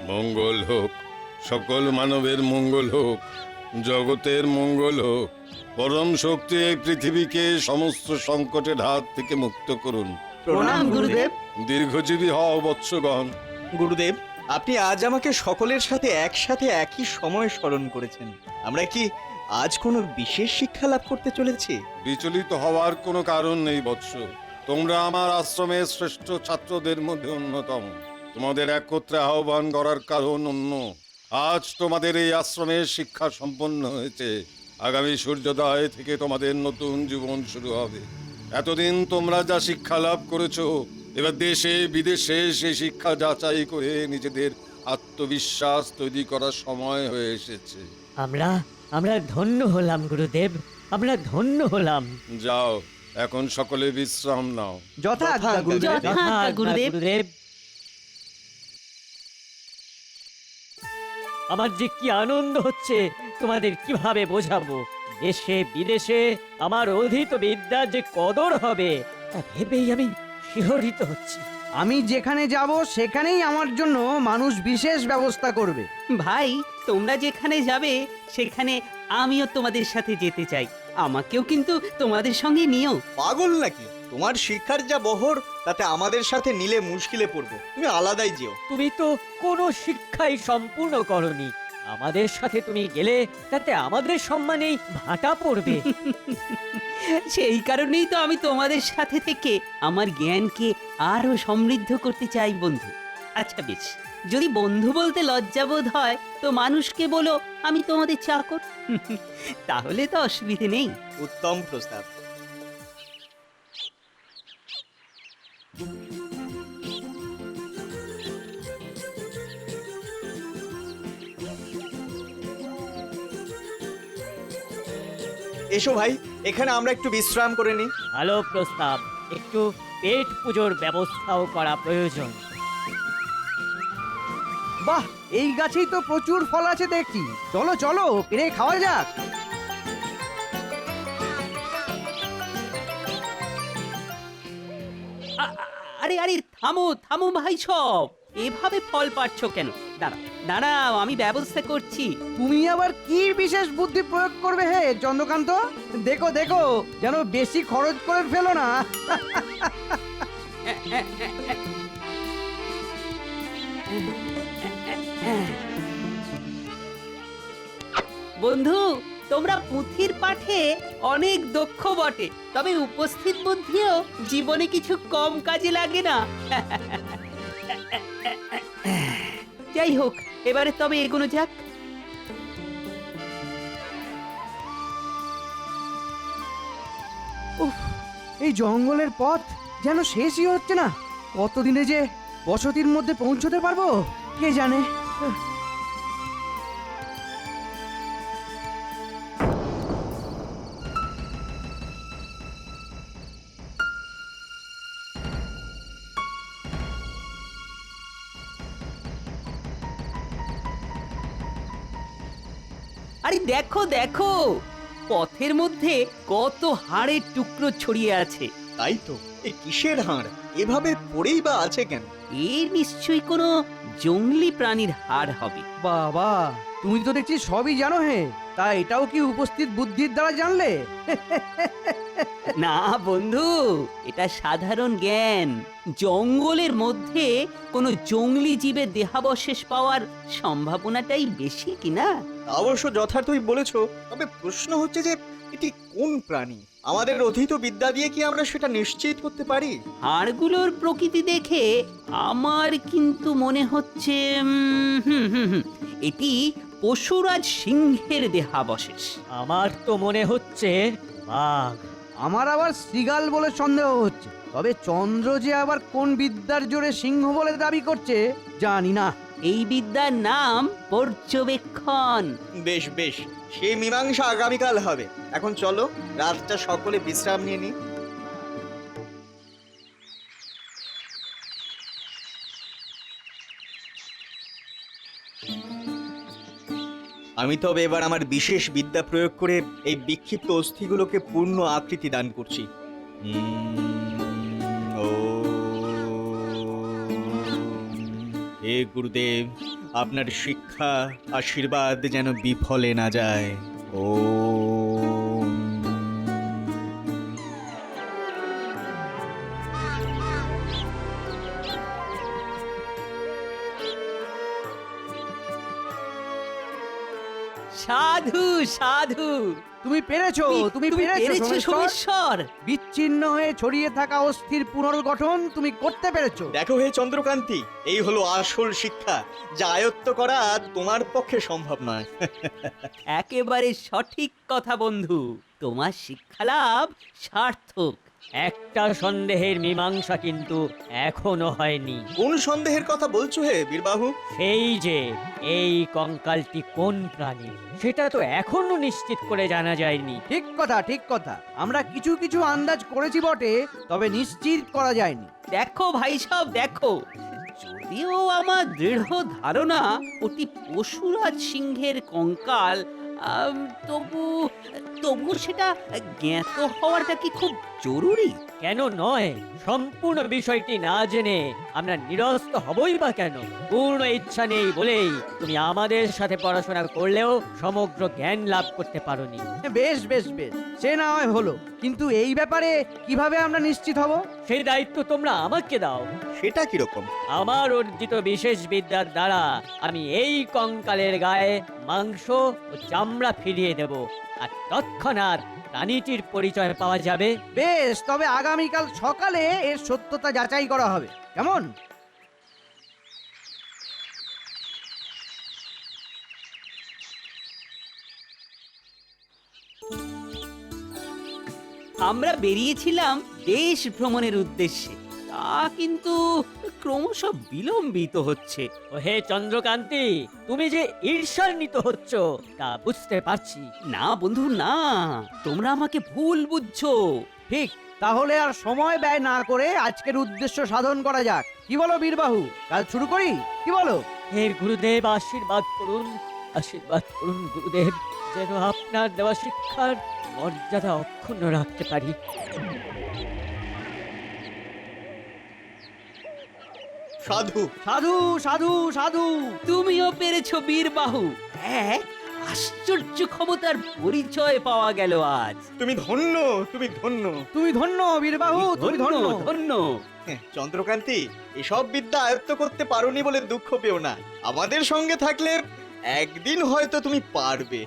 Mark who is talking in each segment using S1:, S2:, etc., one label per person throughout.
S1: মঙ্গল হোক, সকল মানবের মঙ্গল হোক, জগতের মঙ্গল হোক। পরম শক্তি এই পৃথিবীকে সমস্ত সংকটের হাত থেকে মুক্ত করুন।
S2: প্রণাম গুরুদেব।
S1: দীর্ঘজীবী হও বৎসগণ।
S3: গুরুদেব, আপনি আজ আমাকে সকলের সাথে একসাথে একই সময় স্মরণ করেছেন। আমরা কি আজ কোনো বিশেষ শিক্ষা লাভ করতে চলেছি?
S1: বিচলিত হওয়ার কোনো কারণ নেই বৎস। তোমরা আমার আশ্রমের শ্রেষ্ঠ ছাত্রদের মধ্যে অন্যতম। তোমাদের একত্রে আহ্বান করার কারণ অন্য। আজ তোমাদের এই আশ্রমের শিক্ষা সম্পন্ন হয়েছে। আগামী সূর্যোদয় থেকে তোমাদের নতুন জীবন শুরু হবে। এতদিন তোমরা যা শিক্ষা লাভ করেছো, এবার দেশে বিদেশে সেই শিক্ষা যাচাই করে নিজেদের আত্মবিশ্বাস তৈরি করার সময় হয়ে এসেছে।
S4: আমরা ধন্য হলাম গুরুদেব, আমরা ধন্য হলাম।
S1: যাও, এখন সকলে বিশ্রাম নাও।
S2: যথাজ্ঞা গুরুদেব।
S4: যথাজ্ঞা গুরুদেব। আমার যে কি আনন্দ হচ্ছে তোমাদের কিভাবে বোঝাবো। দেশে বিদেশে আমার অধীত বিদ্যার যে কদর হবে তা ভেবেই আমি শিহরিত হচ্ছি।
S2: আমি যেখানে যাব সেখানেই আমার জন্য মানুষ বিশেষ ব্যবস্থা করবে।
S5: ভাই, তোমরা যেখানে যাবে সেখানে আমিও তোমাদের সাথে যেতে চাই। আমাকেও কিন্তু তোমাদের সঙ্গে নিও।
S3: পাগল নাকি? তোমার শিক্ষার যা বহর, তাতে আমাদের সাথে নিলে মুশকিলে পড়বো। তুমি আলাদাই যেও।
S4: তুমি তো কোনো শিক্ষাই সম্পূর্ণ করনি। আমাদের সাথে তুমি গেলে তাতে আমাদের সম্মানেই ভাটা পড়বে।
S5: সেই কারণেই তো আমি তোমাদের সাথে থেকে আমার জ্ঞানকে আরো সমৃদ্ধ করতে চাই বন্ধু। আচ্ছা বেশ, যদি বন্ধু বলতে লজ্জাবোধ হয় তো মানুষকে বলো আমি তোমাদের চাকর। তাহলে তো অসুবিধে নেই।
S3: উত্তম প্রস্তাব। এসো ভাই, এখানে আমরা একটু বিশ্রাম করে নিই।
S4: ভালো প্রস্তাব। একটু পেট পুজোর ব্যবস্থাও করা প্রয়োজন।
S2: বাহ, এই গাছেই তো প্রচুর ফল আছে দেখছি। চলো চলো, পেরে খাওয়া যাক।
S5: আরে আরে থামো থামো ভাই সব, এভাবে ফল পাচ্ছ কেন? দাঁড়াও দাঁড়াও, আমি ব্যবস্থা করছি।
S2: তুমি আবার কি বিশেষ বুদ্ধি প্রয়োগ করবে হে চন্দ্রকান্ত? দেখো দেখো, যেন বেশি খরচ করে ফেলো না।
S5: বন্ধু, তোমরা পুঁথির পাঠে অনেক দক্ষ বটে, তবে উপস্থিত বুদ্ধিও জীবনে কিছু কম কাজে লাগে না। যাই হোক, এবারে তবে এগোনো যাক।
S2: উফ, এই জঙ্গলের পথ যেন শেষই হচ্ছে না। কতদিনে যে বসতির মধ্যে পৌঁছতে পারবো কে জানে।
S5: আরে দেখো দেখো, পথের মধ্যে কত হাড়ের টুকরো ছড়িয়ে আছে।
S3: তাই তো, এই কিসের হাড়? এভাবে পড়েই বা আছে কেন?
S5: এর নিশ্চয়ই কোনো জংলি প্রাণীর হাড় হবে।
S2: বাবা, তুমি তো দেখছি সবই জানো হে। তা এটাও কি উপস্থিত বুদ্ধির দ্বারা জানলে?
S5: না বন্ধু, এটা সাধারণ জ্ঞান। জঙ্গলের মধ্যে কোনো জংলি জীবের দেহাবশেষ পাওয়ার সম্ভাবনাটাই বেশি কিনা।
S3: তা অবশ্য যথার্থই বলেছো, তবে প্রশ্ন হচ্ছে যে এটি কোন প্রাণী? আমাদের অধীত বিদ্যা দিয়ে কি আমরা সেটা নিশ্চিত করতে পারি?
S5: হাড়গুলোর প্রকৃতি দেখে আমার কিন্তু মনে হচ্ছে এটি পশুরাজ সিংহের দেহাবশেষ।
S4: আমার তো মনে হচ্ছে বাঘ।
S2: আমার আবার শ্রীগাল বলে সন্দেহ হচ্ছে। তবে চন্দ্র যে আবার কোন বিদ্যার জোরে সিংহ বলে দাবি করছে জানি না।
S5: এই বিদ্যার নাম পর্যবেক্ষণ।
S3: বেশ বেশ, সেই মীমাংসা আগামীকাল হবে। এখন চলো, রাতটা সকলে বিশ্রাম নিয়ে নিই। আমি তবে এবার আমার বিশেষ বিদ্যা প্রয়োগ করে এই বিক্ষিপ্ত অস্থিগুলোকে পূর্ণ আকৃতি দান করছি। হে গুরুদেব, আপনার শিক্ষা আশীর্বাদ যেন বিফলে না যায়। ওম।
S5: সাধু সাধু
S2: তুমি পেরেছো, তুমি পেরেছো সোমেশ্বর।
S5: সোমেশ্বর।
S2: বিচ্ছিন্ন হয়ে ছড়িয়ে থাকা অস্থির পুনর্গঠন তুমি করতে পেরেছো।
S3: দেখো হে চন্দ্রকান্তি, এই হলো আসল শিক্ষা, যা আয়ত্ত করা তোমার পক্ষে সম্ভব নয়।
S5: একেবারে সঠিক কথা বন্ধু, তোমার শিক্ষালাভ সার্থক।
S4: একটা সন্দেহের মীমাংসা কিন্তু এখনো হয়নি।
S3: কোন সন্দেহের কথা বলছো হে বীরবাহু?
S4: সেই যে এই কঙ্কালটি কোন প্রাণী সেটা তো এখনো নিশ্চিত করে জানা যায়নি।
S2: ঠিক কথা, ঠিক কথা। আমরা কিছু কিছু আন্দাজ করেছি বটে, তবে নিশ্চিত করা যায়নি।
S5: দেখো ভাই সব দেখো, যদিও আমার দৃঢ় ধারণা ওটি পশুরাজ সিংহের কঙ্কাল, তবু তবু সেটা জ্ঞাত হওয়াটা কি খুব জরুরি?
S4: কেন নয়? সম্পূর্ণ বিষয়টি না জেনে আমরা নিরস্ত হবই বা কেন? পূর্ণ ইচ্ছা নেই বলেই তুমি আমাদের সাথে পড়াশোনা করলেও সমগ্র জ্ঞান লাভ করতে পারোনি।
S2: বেশ বেশ বেশ, সে না হয় হলো, কিন্তু এই ব্যাপারে কিভাবে আমরা নিশ্চিত হব?
S4: সেই দায়িত্ব তোমরা আমাকে দাও।
S3: সেটা কিরকম?
S4: আমার অর্জিত বিশেষ বিদ্যার দ্বারা আমি এই কঙ্কালের গায়ে মাংস ও চামড়া ফিরিয়ে দেব, আর তৎক্ষণাৎ প্রাণীটির পরিচয় পাওয়া যাবে।
S2: বেশ, তবে আগামীকাল সকালে এর সত্যতা যাচাই করা হবে, কেমন?
S5: আমরা বেরিয়েছিলাম দেশ ভ্রমণের উদ্দেশ্যে, তা কিন্তু ক্রমশ বিলম্বিত হচ্ছে।
S4: ও হে চন্দ্রকান্তি, তুমি যে ঈর্ষান্বিত হচ্ছ তা বুঝতে পারছি।
S5: না বন্ধু না, তোমরা আমাকে ভুল বুঝছো।
S2: ঠিক, তাহলে আর সময় ব্যয় না করে আজকের উদ্দেশ্য সাধন করা যাক। কি বলো বীরবাহু, কাল শুরু করি? কি বলো?
S4: হে গুরুদেব, আশীর্বাদ করুন, আশীর্বাদ করুন গুরুদেব, যেন আপনার দেওয়া শিক্ষার মর্যাদা অক্ষুণ্ণ রাখতে পারি।
S3: সাধু
S2: সাধু সাধু সাধু।
S5: তুমিও পেরেছো বীরবাহু। এক আশ্চর্য ক্ষমতার পরিচয় পাওয়া গেল আজ।
S3: তুমি ধন্য, তুমি ধন্য।
S2: তুমি ধন্য বীরবাহু, তুমি ধন্য।
S5: ধন্য।
S3: চন্দ্রকান্তি, এসব বিদ্যা আয়ত্ত করতে পারোনি বলে দুঃখ পেও না। আমাদের সঙ্গে থাকলে একদিন হয়তো তুমি পারবে।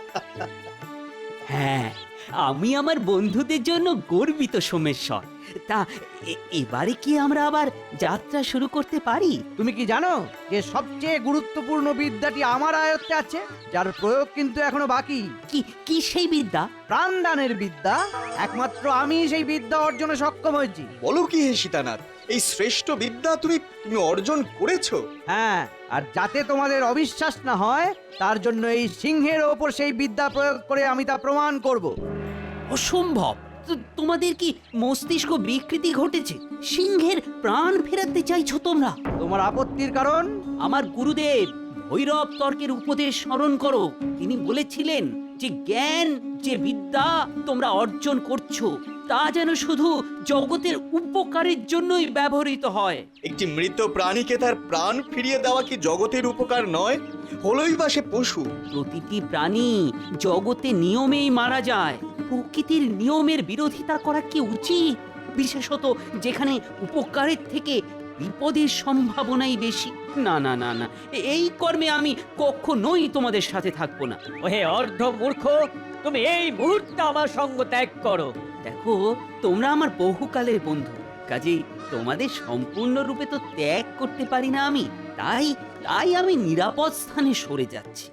S5: হ্যাঁ, আমি আমার বন্ধুদের জন্য গর্বিত সোমেশ্বর। তা এবারে কি আমরা আবার যাত্রা শুরু করতে পারি?
S2: তুমি কি জানো যে সবচেয়ে গুরুত্বপূর্ণ বিদ্যাটি আমার আয়ত্তে আছে, যার প্রয়োগ কিন্তু এখনো বাকি?
S5: কি কি সেই বিদ্যা?
S2: প্রাণদানের বিদ্যা। একমাত্র আমি সেই বিদ্যা অর্জনে সক্ষম হয়েছি।
S3: বলো কি হে সীতানাথ, এই শ্রেষ্ঠ বিদ্যা তুমি অর্জন করেছো?
S2: হ্যাঁ, আর যাতে তোমাদের অবিশ্বাস না হয় তার জন্য এই সিংহের ওপর সেই বিদ্যা প্রয়োগ করে আমি তা প্রমাণ করব।
S5: অসম্ভব! তোমাদের কি মস্তিষ্ক বিকৃতি ঘটেছে? সিংহের প্রাণ ফেরাতে চাইছো তোমরা?
S2: তোমার আপত্তির কারণ?
S5: আমার গুরুদেব ভৈরব তর্কের উপদেশ স্মরণ করো। তিনি বলেছিলেন যে জ্ঞান, যে বিদ্যা তোমরা অর্জন করছো, তা যেন শুধু জগতের উপকারের জন্যই ব্যবহৃত হয়।
S3: একটি মৃত প্রাণীকে তার প্রাণ ফিরিয়ে দেওয়া কি জগতের উপকার নয়? হলোই বা সে পশু।
S5: প্রতিটি প্রাণী জগতে নিয়মেই মারা যায়। প্রকৃতির নিয়মের বিরোধিতা করা কি উচিত? বিশেষত যেখানে উপকারের থেকে বিপদের সম্ভাবনাই বেশি। না না না না, এই কর্মে আমি কখনোই তোমাদের সাথে থাকবো না।
S4: ও হে অর্ধ মূর্খ, তুমি এই মুহূর্তে আমার সঙ্গ ত্যাগ করো।
S5: দেখো, তোমরা আমার বহুকালের বন্ধু, কাজেই তোমাদের সম্পূর্ণরূপে তো ত্যাগ করতে পারি না আমি। তাই তাই আমি নিরাপদ স্থানে সরে যাচ্ছি।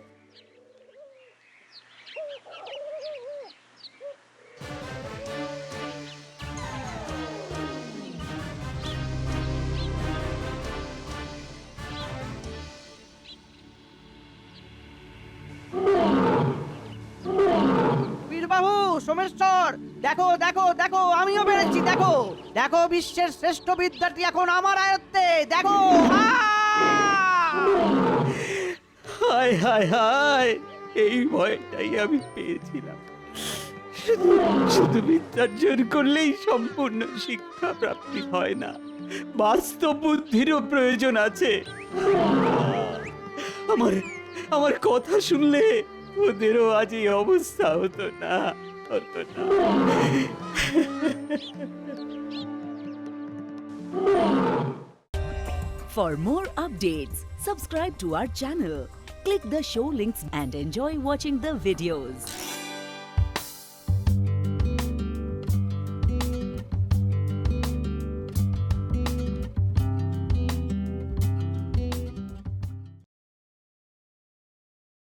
S2: বীরবাহু, সোমেশ্বর, দেখো দেখো দেখো, আমিও পেরেছি। দেখো দেখো, বিশ্বের শ্রেষ্ঠ বিদ্যাটি এখন আমার আয়ত্তে। দেখো।
S5: হায় হায় হায়, এই ভয়টাই আমি পেয়েছিলাম। শুধু বিদ্যার্জন করলেই সম্পূর্ণ শিক্ষা প্রাপ্তি হয় না, বাস্তব বুদ্ধিরও প্রয়োজন আছে। আমার আমার কথা শুনলে ওদেরও আজ এই অবস্থা হতো না, হতো না।
S6: For more updates, subscribe to our channel, click the show links and enjoy watching the videos.